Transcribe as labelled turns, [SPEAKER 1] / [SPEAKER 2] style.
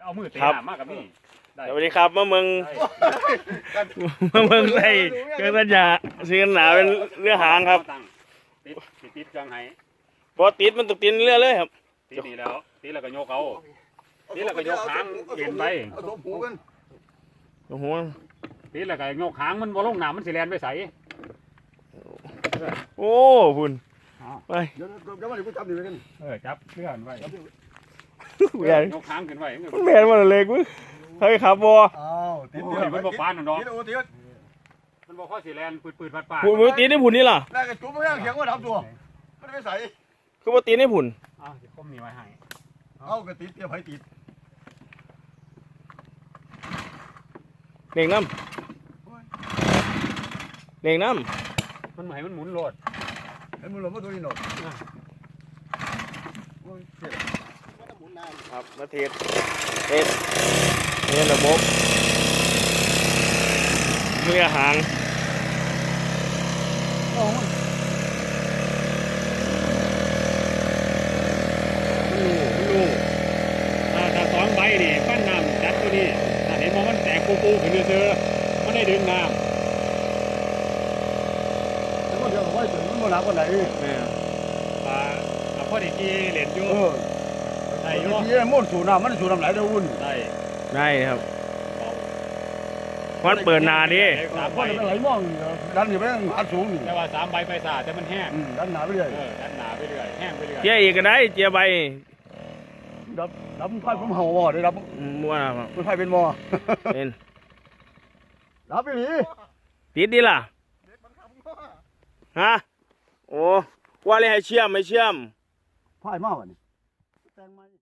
[SPEAKER 1] เอามือเตะมากกับนี่
[SPEAKER 2] สวัสดีครับมาเมืองไทยเครื่องสัญญาเสียงหนาเป็นเรือหางครับ
[SPEAKER 1] ติดเครื่องให้
[SPEAKER 2] พอติดมันตกติดเรือเลยครับ
[SPEAKER 1] ติดนี่แล้วติดแล้วก็โยกเอาติดแล้วก็โยกหางเย็นไป
[SPEAKER 2] โอ้โห
[SPEAKER 1] ติดแล้วก็โยกหางมันบ่ลงน้ำมันสิแลนไปใส
[SPEAKER 2] โอ้คุณไป
[SPEAKER 3] เดี๋ยวมาเดี๋ยวกูจับนี่ไปกัน
[SPEAKER 1] จับเลื่อนไว้ยกหางขึ้นไว้
[SPEAKER 2] มันแมนมาเลยกูเฮ้ยครับบัว
[SPEAKER 3] อ้าวติดเดียว
[SPEAKER 1] มันบ่ปานน้อง
[SPEAKER 3] ติด
[SPEAKER 1] มันบ่ข้อสีแลนปืดๆปัดๆ
[SPEAKER 2] ผุนมือตีได้ผุนนี่ล่ะ
[SPEAKER 3] แล้วก็จุ๊บไม่ต้องเขียงว่าดับตัวไม่ได้ใส่
[SPEAKER 2] คือว่าตีได้ผุน
[SPEAKER 1] จะคมนี่ไว้ให้
[SPEAKER 3] เอากระติดเดียวไผติด
[SPEAKER 2] เล่งน้ำเล่งน้
[SPEAKER 1] ำมันหมุนโลด
[SPEAKER 3] ให้มึงหลบมาตัวนี้หน่อย
[SPEAKER 2] ครับมาเทสระบบเรือหาง
[SPEAKER 1] ถ้าสองใบนี่ปั้นน้ำจัดตัวนี้เห็นมันแตกปูขึ้นเรือมันได้ดึงน้ำ
[SPEAKER 3] แล้วก็เดี๋ยวไว้ถึงมันหนักกว่าไหน
[SPEAKER 1] พอดีกีเหรียญอยู่
[SPEAKER 3] ได้อยู่ที่มุ่นสู่น้ำมันสู่น้ำไหลเดี๋ยววุ่น
[SPEAKER 2] ได้ครับวันเปิดนาดิ
[SPEAKER 3] เพราะมันไหลมองดันอยู่ไปอัดสูง
[SPEAKER 1] แต่ว่า3 ใบไปสาแต่มันแห้ง
[SPEAKER 3] ดันหนาไปเรื่อย
[SPEAKER 1] ดันหนาไปเรื่อยแห้งไปเรื่อย
[SPEAKER 2] เจียอีกก็ได้เจียใบ
[SPEAKER 3] ดับไฟผมเห่าบ่ได้ดับ
[SPEAKER 2] มั่วครับ
[SPEAKER 3] ไฟเป็นบ่
[SPEAKER 2] เป็น
[SPEAKER 3] ดับไปหนี
[SPEAKER 2] ติดดีล่ะฮะโอ้ว่าเลยให้เชื่อมไม่เชื่อม
[SPEAKER 3] ไฟมากวะนี่แต่งมา